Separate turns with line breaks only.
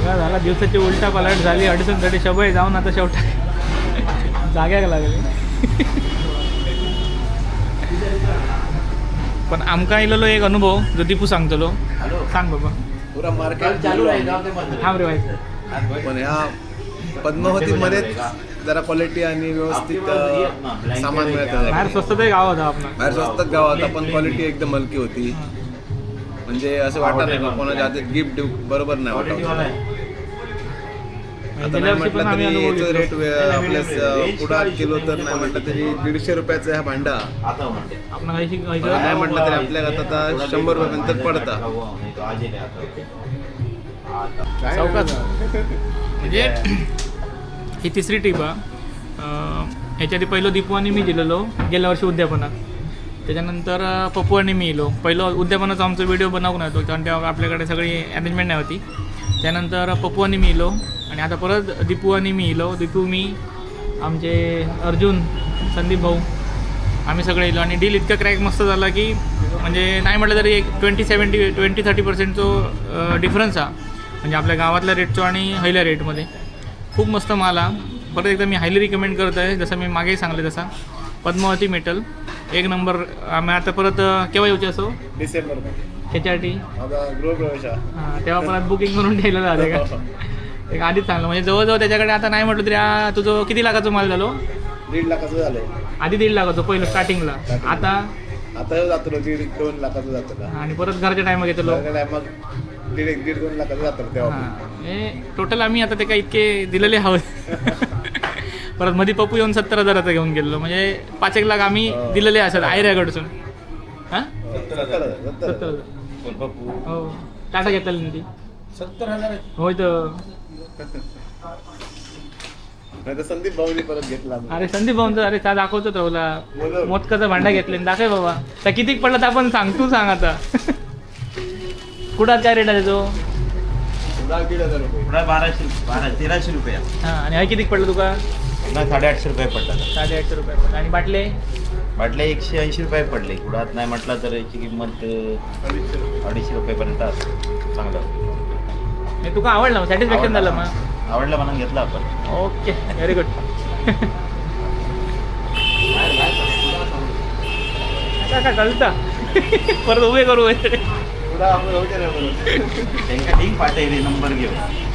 दंगा झाला, दिवसाची उलटा पलट झाली, अडचण साठी शबय जाऊन आता शेवटा जाग्याक लागले. पण आमका इलेलो एक अनुभव जो दीपू सांगतलो. सांग बाबा.
पुरा मार्केट चालू आहे
थांब रे भाई.
पण ह्या पद्मावतीमध्ये जरा क्वालिटी आणि व्यवस्थित सामान मिळतं.
बाहेर स्वस्तच गाव होता आपला.
बाहेर स्वस्तात गाव होता पण क्वालिटी एकदम हलकी होती. म्हणजे असं वाटत नाही का कोणाच्या हातात गिफ्ट देऊ बरोबर नाही वाटत. आता नाही म्हटलं तरी याचं रेट आपल्या पुढात किलो तर नाही म्हटलं तरी 150 रुपयाचा हा भांडा
आपण काही
नाही म्हटलं तरी आपल्या आता 100 रुपयानंतर पडता.
चौकात म्हणजे ही तिसरी ट्रिप आहे. ह्याच्या आधी पहिलं दीपू आणि मी दिलेलो गेल्या वर्षी उद्यापनात. त्याच्यानंतर पप्पू आणि मी येलो. पहिलं उद्यापनाचा आमचा व्हिडिओ बनवून येतो कारण तेव्हा आपल्याकडे सगळी अरेंजमेंट नाही होती. त्यानंतर पप्पू आणि मी येलो आणि आता परत दीपू आणि मी येलो. दीपू, मी, आमचे अर्जुन, संदीप भाऊ, आम्ही सगळे येलो. आणि डील इतका क्रॅक मस्त झाला की म्हणजे नाही म्हटलं तरी एक 20-30% जो डिफरन्स हा म्हणजे आपल्या गावातल्या रेटचो आणि हैल्या रेटमध्ये खूप मस्त माल हा. परत एकदा मी हायली रिकमेंड करत आहे. जसं मी मागेही सांगले तसा पद्मावती मेटल एक नंबर. आम्ही आता परत केव्हा येऊचे असो
डिसेंबर
त्याच्यासाठी
गृहप्रवेश
हां तेव्हा परत बुकिंग करून ठेवलं झालं का एक आधीच चांगलं म्हणजे जवळजवळ त्याच्याकडे आता नाही म्हटलं तरी तुझं किती लाखाचं माल झालो.
1.5 लाखाचं झालं
आधी 1.5 लाखाचं पहिलं स्टार्टिंगला. आता
जातो 1.5-2 लाखाचं जातं
आणि परत घरच्या टायमा घेतलो.
मग 1.5-2 लाखाचं जातं तेव्हा.
हे टोटल आम्ही आता ते काय इतके दिलेले हवं. परत मध्ये पप्पू येऊन 70,000चा घेऊन गेलो म्हणजे 5-1 लाख आम्ही दिलेले असत आयऱ्याकडसून. हां 70,000 हो टाटा घेतलेली ना ती
70,000
होय तर
संदीप भाऊनी परत घेतला.
अरे संदीप भाऊंचा अरे त्या दाखवतो तुला मोदकाचा भांडा घेतले दाखव बाबा. तर कितीक पडला तर आपण सांग तू सांग आता. कुठात काय रेट आहे तो
1,500 रुपये
1300 रुपये.
हां आणि हा कितीक पडलं तुका
850 रुपये पडला.
850 रुपये पडलं. आणि बाटले
बाटले 180 रुपये पडले. कुडात नाही म्हटलं तर याची किंमत 250 रुपयेपर्यंत असते. चांगलं
हे तुका आवडलं मग सॅटिस्फॅक्शन झालं मग
आवडलं म्हणून घेतलं आपण.
Okay very good. काय कळता परत उभे करू
त्यांना लिंक पाठवली नंबर घेऊन.